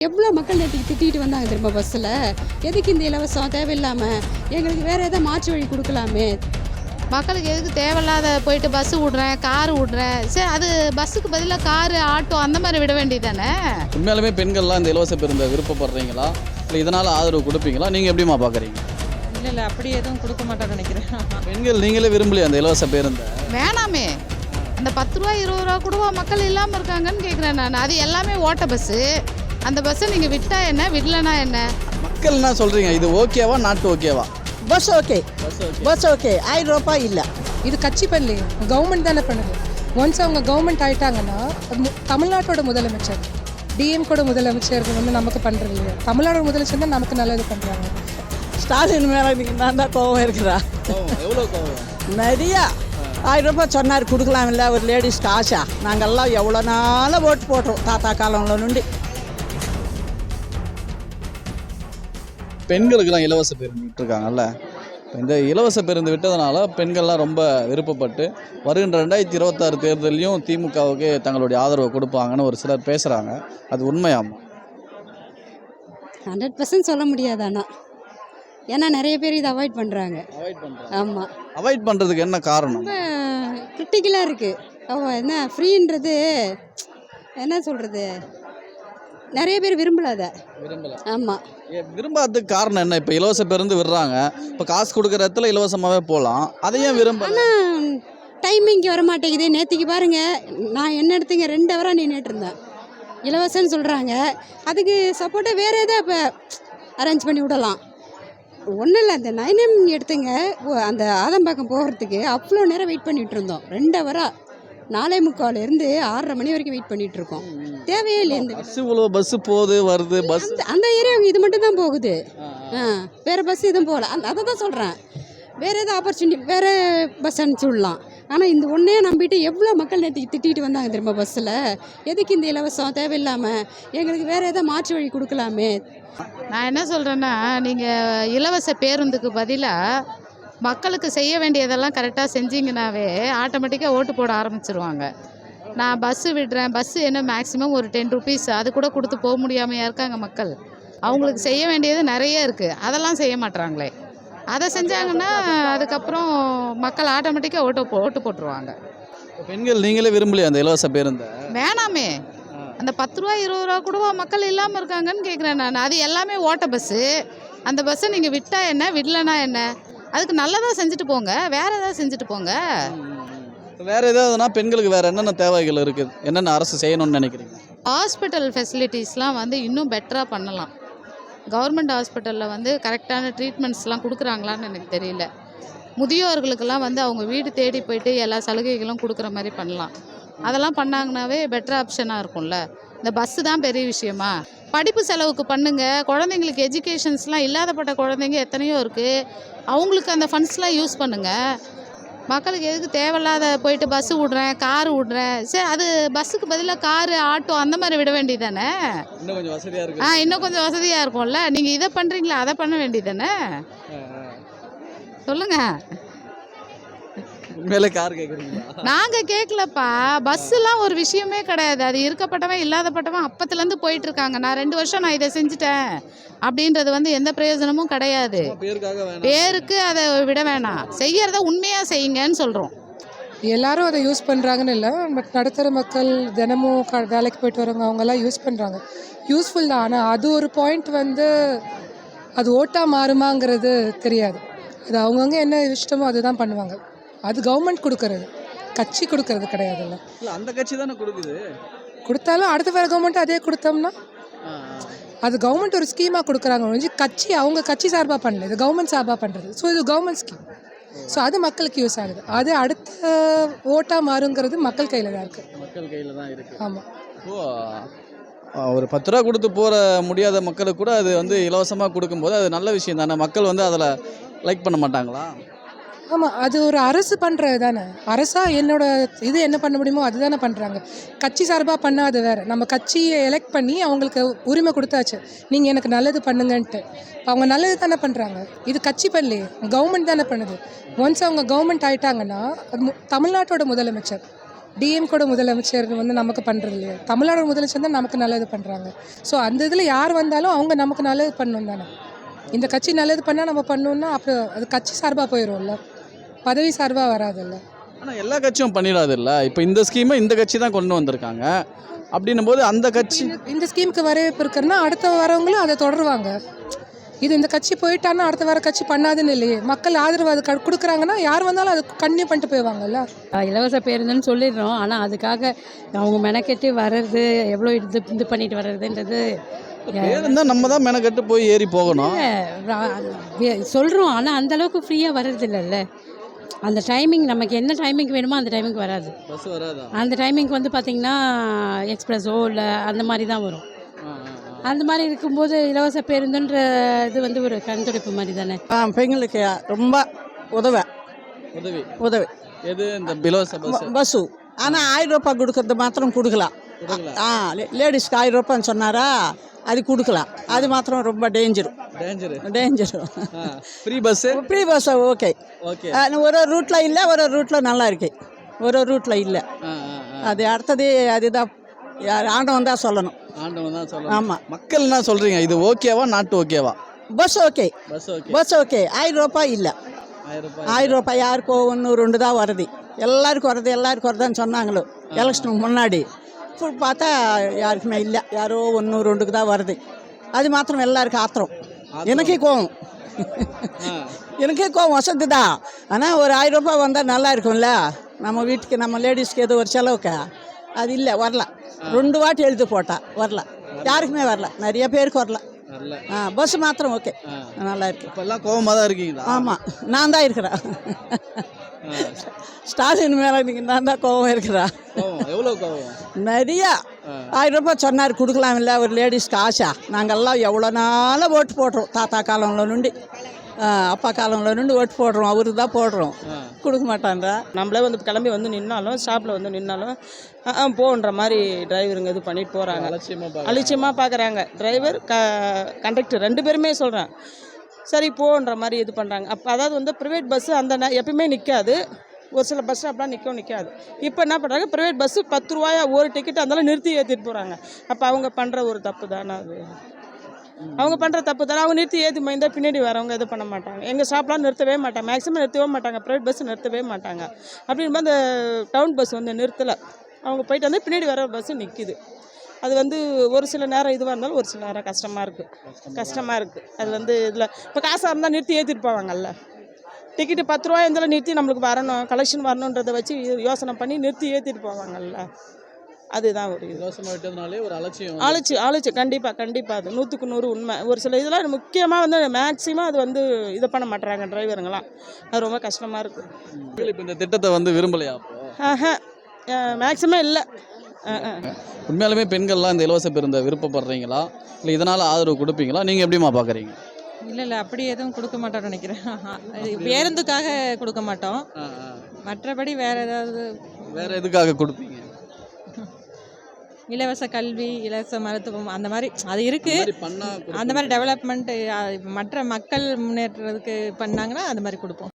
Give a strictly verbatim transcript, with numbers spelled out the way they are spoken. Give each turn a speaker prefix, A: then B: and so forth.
A: எவ்வளோ மக்கள் நேற்றுக்கு திட்டிகிட்டு வந்தாங்க திரும்ப பஸ்ஸில். எதுக்கு இந்த இலவசம் தேவையில்லாமல், எங்களுக்கு வேறு எதாவது மாற்று வழி கொடுக்கலாமே.
B: மக்களுக்கு எதுக்கு தேவையில்லாத போயிட்டு பஸ்ஸு விட்றேன், காரு விட்றேன், சரி அது பஸ்ஸுக்கு பதிலாக காரு, ஆட்டோ அந்த மாதிரி விட வேண்டியது தானே.
C: உண்மையாலுமே பெண்கள்லாம் இந்த இலவச பேருந்தை விருப்பப்படுறீங்களா, இல்லை இதனால் ஆதரவு கொடுப்பீங்களா? நீங்கள் எப்படிமா பார்க்குறீங்க?
D: இல்லை இல்லை அப்படி எதுவும் கொடுக்க மாட்டேன்னு நினைக்கிறேன்.
C: பெண்கள் நீங்களே விரும்பலையா அந்த இலவச பேருந்தை?
B: வேணாமே, அந்த பத்து ரூபா இருபது ரூபா கூடவா மக்கள் இல்லாமல் இருக்காங்கன்னு கேட்குறேன் நான். அது எல்லாமே ஓட்ட பஸ்ஸு. அந்த பஸ்ஸை நீங்கள் விட்டா என்ன, விடலனா என்ன?
C: மக்கள் என்ன சொல்கிறீங்க, இது ஓகேவா நாட்டு ஓகேவா?
E: பஸ் ஓகே, பஸ் ஓகே, ஆயிரம் ரூபாய் இல்லை.
F: இது கட்சி பண்ணலையே, கவர்மெண்ட் தானே பண்ணுது. ஒன்ஸ் அவங்க கவர்மெண்ட் ஆயிட்டாங்கன்னா தமிழ்நாட்டோட முதலமைச்சர், டிஎம் கூட முதலமைச்சர் வந்து நமக்கு பண்ணுறது இல்லையா. தமிழ்நாடு முதலமைச்சர் தான் நமக்கு நல்லது பண்ணுறாங்க.
E: ஸ்டாலின் மேலே நீங்கள் நான் தான் கோவம் இருக்கிறா.
C: எவ்வளோ கோவம்?
E: நிறையா. ஆயிரம் ரூபாய் சொன்னார் கொடுக்கலாம் இல்லை ஒரு லேடிஸ்க்கு ஆசை. நாங்கள்லாம் எவ்வளோ நாளாக ஓட்டு போட்டுறோம் தாத்தா காலங்கள நுண்டி.
C: பெண்களுக்கெல்லாம் இலவச பேருந்து விட்டுருக்காங்கல்ல, இந்த இலவச பேருந்து விட்டதுனால பெண்கள்லாம் ரொம்ப விருப்பப்பட்டு வருகின்ற ரெண்டாயிரத்தி இருபத்தாறு தேர்தலையும் திமுகவுக்கு தங்களுடைய ஆதரவை கொடுப்பாங்கன்னு ஒரு சிலர் பேசுகிறாங்க. அது உண்மையாமா?
A: ஹண்ட்ரட் பர்சன்ட் சொல்ல முடியாது. ஆனால் ஏன்னா நிறைய பேர் இதை அவாய்ட் பண்ணுறாங்க.
C: அவாய்ட் பண்ணுறாங்க.
A: ஆமாம்,
C: அவாய்ட் பண்ணுறதுக்கு என்ன காரணம்?
A: ரொம்ப கிரிட்டிக்கலாக இருக்குது. அவ என்ன ஃப்ரீன்றது என்ன சொல்கிறது, நிறைய பேர் விரும்பல அதை.
C: விரும்பல.
A: ஆமாம்,
C: விரும்பாததுக்கு காரணம் என்ன? இப்போ இலவச பேருந்து விடுறாங்க, இப்போ காசு கொடுக்குற இடத்துல இலவசமாகவே போகலாம், அதையும் விரும்ப.
A: ஆனால் டைமிங்க்கு வர மாட்டேங்குது. நேற்றுக்கு பாருங்கள், நான் என்ன எடுத்துங்க ரெண்டு ஹவராக நின்றுட்டு இருந்தேன். இலவசம்னு சொல்கிறாங்க, அதுக்கு சப்போர்ட்டாக வேறு எதாவது இப்போ அரேஞ்ச் பண்ணி விடலாம். ஒன்றும் இல்லை, அந்த நைனம் எடுத்துங்க, அந்த ஆதம்பாக்கம் போகிறதுக்கு அவ்வளோ நேரம் வெயிட் பண்ணிகிட்டு இருந்தோம். ரெண்டு ஹவராக நாலே முக்கால்லேருந்து ஆறரை மணி வரைக்கும் வெயிட் பண்ணிகிட்டு இருக்கோம். தேவையே இல்லை. இந்த
C: பஸ் இவ்வளோ பஸ்ஸு போகுது வருது, பஸ்
A: அந்த அந்த ஏரியாவுக்கு இது மட்டும் தான் போகுது. ஆ, வேறு பஸ் எதுவும் போகல. அந்த அதை தான் சொல்கிறேன், வேறு எதாவது ஆப்பர்ச்சுனிட்டி வேறு பஸ் அனுப்பிச்சி விடலாம். ஆனால் இந்த ஒன்றே நம்பிட்டு எவ்வளோ மக்கள் நேற்றுக்கு திட்டிகிட்டு வந்தாங்க திரும்ப பஸ்ஸில். எதுக்கு இந்த இலவசம் தேவையில்லாமல், எங்களுக்கு வேறு எதாவது மாற்று வழி கொடுக்கலாமே.
B: நான் என்ன சொல்கிறேன்னா, நீங்கள் இலவச பேருந்துக்கு பதிலாக மக்களுக்கு செய்ய வேண்டியதெல்லாம் கரெக்டாக செஞ்சிங்கனாவே ஆட்டோமேட்டிக்காக ஓட்டு போட ஆரம்பிச்சிருவாங்க. நான் பஸ்ஸு விடுறேன், பஸ்ஸு என்ன மேக்ஸிமம் ஒரு டென் ருபீஸ், அது கூட கொடுத்து போக முடியாமையா இருக்காங்க மக்கள். அவங்களுக்கு செய்ய வேண்டியது நிறைய இருக்குது, அதெல்லாம் செய்ய மாட்றாங்களே. அதை செஞ்சாங்கன்னா அதுக்கப்புறம் மக்கள் ஆட்டோமேட்டிக்காக ஓட்டு போ ஓட்டு போட்டுருவாங்க.
C: பெண்கள் நீங்களே விரும்பலையா அந்த இலவச பேருந்தை?
B: வேணாமே, அந்த பத்து ரூபா இருபது ரூபா கூடவா மக்கள் இல்லாமல் இருக்காங்கன்னு கேட்குறேன் நான். அது எல்லாமே ஓட்ட பஸ்ஸு. அந்த பஸ்ஸை நீங்கள் விட்டா என்ன, விடலனா என்ன? அதுக்கு நல்லதாக செஞ்சுட்டு போங்க, வேறு ஏதாவது செஞ்சுட்டு போங்க.
C: வேறு ஏதாவதுனா பெண்களுக்கு வேறு என்னென்ன தேவைகள் இருக்குது, என்னென்ன அரசு செய்யணும்னு நினைக்கிறீங்க?
B: ஹாஸ்பிட்டல் ஃபெசிலிட்டிஸ்லாம் வந்து இன்னும் பெட்டராக பண்ணலாம். கவர்மெண்ட் ஹாஸ்பிட்டலில் வந்து கரெக்டான ட்ரீட்மெண்ட்ஸ்லாம் கொடுக்குறாங்களான்னு எனக்கு தெரியல. முதியோர்களுக்கெல்லாம் வந்து அவங்க வீடு தேடி போயிட்டு எல்லா சலுகைகளும் கொடுக்குற மாதிரி பண்ணலாம். அதெல்லாம் பண்ணாங்கனாவே பெட்டர் ஆப்ஷனாக இருக்கும்ல. இந்த பஸ்ஸு தான் பெரிய விஷயமா? படிப்பு செலவுக்கு பண்ணுங்கள். குழந்தைங்களுக்கு எஜுகேஷன்ஸ்லாம் இல்லாதப்பட்ட குழந்தைங்க எத்தனையோ இருக்குது, அவங்களுக்கு அந்த ஃபண்ட்ஸ்லாம் யூஸ் பண்ணுங்கள். மக்களுக்கு எதுக்கு தேவையில்லாத போயிட்டு பஸ்ஸு விட்றேன், காரு விட்றேன், சரி அது பஸ்ஸுக்கு பதிலாக காரு, ஆட்டோ அந்த மாதிரி விட வேண்டியது தானே.
C: இன்னும் கொஞ்சம் வசதியாக இருக்கு.
B: ஆ, இன்னும் கொஞ்சம் வசதியாக இருக்கும்ல. நீங்கள் இதை பண்ணுறீங்களா, அதை பண்ண வேண்டியது தானே. சொல்லுங்கள்.
C: மேலே கார் கேட்குறீங்களா?
B: நாங்கள் கேட்கலப்பா. பஸ்ஸுலாம் ஒரு விஷயமே கிடையாது. அது இருக்கப்பட்டவன் இல்லாதப்பட்டவன் அப்பத்துலேருந்து போயிட்டுருக்காங்க. நான் ரெண்டு வருஷம் நான் இதை செஞ்சுட்டேன் அப்படின்றது வந்து எந்த பிரயோஜனமும் கிடையாது. பேருக்கு அதை விட வேணாம், செய்யறத உண்மையாக செய்யுங்கன்னு சொல்கிறோம்.
F: எல்லாரும் அதை யூஸ் பண்ணுறாங்கன்னு இல்லை, பட் நடுத்தர மக்கள் தினமும் க வேலைக்கு போயிட்டு வரவங்க அவங்கெல்லாம் யூஸ் பண்ணுறாங்க. யூஸ்ஃபுல் தான். ஆனால் அது ஒரு பாயிண்ட் வந்து அது ஓட்டாக மாறுமாங்கிறது தெரியாது. அது அவங்கவுங்க என்ன இஷ்டமோ அதுதான் பண்ணுவாங்க. அது கவர்மெண்ட் கொடுக்கறது, கட்சி கொடுக்கறது கிடையாதுல்ல.
C: இல்லை, அந்த கட்சி தானே கொடுக்குது.
F: கொடுத்தாலும் அடுத்த வேறு கவர்மெண்ட் அதே கொடுத்தோம்னா அது கவர்மெண்ட் ஒரு ஸ்கீமாக கொடுக்குறாங்க ஒழிஞ்சு கட்சி அவங்க கட்சி சார்பாக பண்ணல, இது கவர்மெண்ட் சார்பாக பண்ணுறது. ஸோ இது கவர்மெண்ட் ஸ்கீம். ஸோ அது மக்களுக்கு யூஸ் ஆகுது. அது அடுத்த ஓட்டாக மாறுங்கிறது மக்கள் கையில் தான் இருக்குது.
C: மக்கள் கையில் தான் இருக்குது.
F: ஆமாம்.
C: ஓ, ஒரு பத்து ரூபா கொடுத்து போகிற முடியாத மக்களுக்கு கூட அது வந்து இலவசமாக கொடுக்கும்போது அது நல்ல விஷயம் தானே. மக்கள் வந்து அதில் லைக் பண்ண மாட்டாங்களா?
F: ஆமாம், அது ஒரு அரசு பண்ணுறது தானே. அரசாக என்னோட இது என்ன பண்ண முடியுமோ அதுதானே பண்ணுறாங்க. கட்சி சார்பாக பண்ணால் அது வேறு. நம்ம கட்சியை எலெக்ட் பண்ணி அவங்களுக்கு உரிமை கொடுத்தாச்சு, நீங்கள் எனக்கு நல்லது பண்ணுங்கன்ட்டு. அவங்க நல்லது தானே பண்ணுறாங்க. இது கட்சி பண்ணலையே, கவர்மெண்ட் தானே பண்ணுது. ஒன்ஸ் அவங்க கவர்மெண்ட் ஆயிட்டாங்கன்னா தமிழ்நாட்டோட முதலமைச்சர், டிஎம் கூட முதலமைச்சர் வந்து நமக்கு பண்ணுறது இல்லையா, தமிழ்நாடு முதலமைச்சர் தான் நமக்கு நல்லது பண்ணுறாங்க. ஸோ அந்த இதில் யார் வந்தாலும் அவங்க நமக்கு நல்லது பண்ணணும் தானே. இந்த கட்சி நல்லது பண்ணால் நம்ம பண்ணோன்னா அப்புறம் அது கட்சி சார்பாக போயிடும்ல, பதவி சார்பாக வராதுல்ல.
C: ஆனால் எல்லா கட்சியும் பண்ணிடாது இல்லை. இப்போ இந்த ஸ்கீமை இந்த கட்சி தான் கொண்டு வந்திருக்காங்க. அப்படின்னும் போது அந்த கட்சி
F: இந்த- இந்த ஸ்கீமுக்கு வரவேற்பு இருக்குன்னா அடுத்த வரவங்களும் அதை தொடருவாங்க. இது இந்த கட்சி போயிட்டான்னா அடுத்த வர கட்சி பண்ணாதுன்னு இல்லையே. மக்கள் ஆதரவு அது க- கொடுக்குறாங்கன்னா யார் வந்தாலும் அது கண்டினியூ பண்ணிட்டு போயிடுவாங்கல்ல.
G: ஆஹ் இலவச பேருந்துன்னு சொல்லிடுறோம், ஆனால் அதுக்காக அவங்க மெனக்கெட்டு வர்றது எவ்வளோ இது இது பண்ணிட்டு வர்றதுன்றது
C: இருந்தால் நம்ம தான் மெனக்கட்டு போய் ஏறி போகணும்.
G: சொல்கிறோம், ஆனால் அந்தளவுக்கு ஃப்ரீயாக வர்றது இல்லைல்ல. அந்த டைமிங் நமக்கு என்ன டைமிங் வேணுமோ அந்த டைமிங்க்கு வராது.
C: பஸ் வராதா?
G: அந்த டைமிங்க்கு வந்து பார்த்திங்கன்னா எக்ஸ்பிரஸோ இல்லை அந்த மாதிரி தான் வரும். அந்த மாதிரி இருக்கும்போது இலவச பேருந்துன்ற இது வந்து ஒரு கண்துடைப்பு மாதிரி தானே.
E: ஆ பெண்களுக்கு ரொம்ப உதவ
C: உதவி
E: உதவி
C: எது இந்த இலவச பஸ்
E: பஸ்ஸு. ஆனால் ஆயிரம் ரூபாய் கொடுக்கறது மாத்திரம் கொடுக்கலாம்.
C: கொடுக்கலாம்.
E: ஆ லேடிஸ்க்கு ஆயிரம் ரூபான்னு சொன்னாரா, அது கொடுக்கலாம். அது மாத்திரம் ரொம்ப danger
C: danger.
E: Danger
C: free bus
E: free bus okay.
C: Okay.
E: ஒரு ஒரு ரூட்டில் இல்லை, ஒரு ஒரு ரூட்டில் நல்லா இருக்கு, ஒரு ஒரு ரூட்டில் இல்லை. அது அடுத்தது அதுதான் யார் ஆண்டவன் தான் சொல்லணும்.
C: ஆண்டவன் தான் சொல்லணும்.
E: ஆமாம்.
C: மக்கள் என்ன சொல்கிறீங்க, இது ஓகேவா நாட்டு ஓகேவா?
E: Bus okay,
C: bus okay.
E: Bus okay. ஆயிரம் ரூபாய் இல்லை,
C: ஆயிரம் ரூபாய்
E: ஆயிரம் ரூபாய் யாருக்கோ ஒன்று ரெண்டு தான் வருது. எல்லாருக்கும் வருது எல்லாருக்கும் வருதுன்னு சொன்னாங்களோ எலெக்ஷனுக்கு முன்னாடி. இப்போ பார்த்தா யாருக்குமே இல்லை, யாரோ ஒன்று ரெண்டுக்கு தான் வருது. அது மாத்திரம் எல்லாருக்கும் ஆத்திரம். எனக்கே கோவம் எனக்கே கோவம் வசதி தான். ஆனால் ஒரு ஆயிரம் ரூபாய் வந்தால் நல்லா இருக்கும்ல, நம்ம வீட்டுக்கு நம்ம லேடிஸ்க்கு ஏதோ ஒரு செலவுக்கு. அது இல்லை, வரல. ரெண்டு வாட்டி எழுதி போட்டா வரல, யாருக்குமே வரல, நிறைய பேருக்கு வரல.
C: வரல.
E: ஆ பஸ் மாத்திரம் ஓகே, நல்லா இருக்கு.
C: இப்போல்லாம் கோவமாக தான் இருக்கீங்களா?
E: ஆமாம், நான் தான் இருக்கிறேன். ஸ்டாலின் மேலே நீங்கள் நான் தான் கோவம் இருக்கிறேன்.
C: கோவம் எவ்வளோ கோவம்?
E: நிறையா. ஆயிரம் ரூபாய் சொன்னார் கொடுக்கலாம் இல்லை, ஒரு லேடிஸ்க்கு ஆசை. நாங்கள்லாம் எவ்வளோ நாளாக ஓட்டு போடுறோம், தாத்தா காலம்ல நுண்டி அப்பா காலம்ல நுண்டி ஓட்டு போடுறோம், அவருக்கு தான் போடுறோம். கொடுக்க மாட்டான்றா.
H: நம்மளே வந்து கிளம்பி வந்து நின்னாலும் ஸ்டாப்பில் வந்து நின்னாலும் ஆ, ஆ, போன்ற மாதிரி டிரைவருங்க இது பண்ணிட்டு போகிறாங்க.
C: அலட்சியமாக
H: அலட்சியமாக பார்க்குறாங்க. டிரைவர் க கண்டக்டர் ரெண்டு பேருமே சொல்கிறேன், சரி போன்ற மாதிரி இது பண்ணுறாங்க. அப்போ அதாவது வந்து ப்ரைவேட் பஸ்ஸு அந்த நே- எப்பயுமே நிற்காது, ஒரு சில பஸ் ஸ்டாப்லாம் நிற்கவும் நிற்காது. இப்போ என்ன பண்ணுறாங்க, ப்ரைவேட் பஸ்ஸு பத்து ரூபாயா ஒரு டிக்கெட் அதெல்லாம் நிறுத்தி ஏற்றிட்டு போகிறாங்க. அப்போ அவங்க பண்ணுற ஒரு தப்பு தானே அது. அவங்க பண்ணுற தப்பு தானே. அவங்க நிறுத்தி ஏற்றி மைந்தா பின்னாடி வரவங்க இது பண்ண மாட்டாங்க. எங்கள் ஸ்டாப்லாம் நிறுத்தவே மாட்டாங்க, மேக்ஸிமம் நிறுத்தவே மாட்டாங்க, ப்ரைவேட் பஸ் நிறுத்தவே மாட்டாங்க. அப்படின்போது அந்த டவுன் பஸ் வந்து நிறுத்தலை, அவங்க போயிட்டு வந்து பின்னாடி வர பஸ்ஸு நிற்கிது. அது வந்து ஒரு சில நேரம் இதுவாக இருந்தாலும் ஒரு சில நேரம் கஷ்டமாக இருக்குது கஷ்டமாக இருக்குது அது வந்து இதில் இப்போ காசாக இருந்தால் நிறுத்தி ஏற்றிட்டு போவாங்கல்ல. டிக்கெட்டு பத்து ரூபா இருந்தாலும் நிறுத்தி நம்மளுக்கு வரணும், கலெக்ஷன் வரணுன்றதை வச்சு யோசனை பண்ணி நிறுத்தி ஏற்றிட்டு போவாங்கல்ல. அதுதான் ஒரு இது.
C: இலவசமாக விட்டதுனாலே ஒரு அலட்சியம்.
H: ஆளுச்சு ஆளுச்சு கண்டிப்பாக கண்டிப்பாக அது நூற்றுக்கு நூறு உண்மை. ஒரு சில இதெல்லாம் முக்கியமாக வந்து மேக்ஸிமம் அது வந்து இதை பண்ண மாட்டுறாங்க டிரைவருங்களாம். அது ரொம்ப கஷ்டமாக இருக்குது.
C: இப்போ இந்த திட்டத்தை வந்து விரும்பலையா? அப்போ
H: ஆஹா மேக்ஸிமம் இல்லை.
C: உண்மையாலுமே பெண்கள்லாம் இந்த இலவச பேருந்தை விருப்பப்படுறீங்களா, இல்லை இதனால் ஆதரவு கொடுப்பீங்களா? நீங்கள் எப்படிமா பார்க்குறீங்க?
D: இல்லை இல்லை அப்படி எதுவும் கொடுக்க மாட்டோம்னு நினைக்கிறேன். அது பேருந்துக்காக கொடுக்க மாட்டோம், மற்றபடி வேற ஏதாவது
C: வேறு எதுக்காக கொடுப்பீங்க?
D: இலவச கல்வி, இலவச மருத்துவம் அந்த மாதிரி அது இருக்கு.
C: பண்ணால்
D: அந்த மாதிரி டெவலப்மெண்ட் மற்ற மக்கள் முன்னேற்றத்துக்கு பண்ணாங்கன்னா அந்த மாதிரி கொடுப்போம்.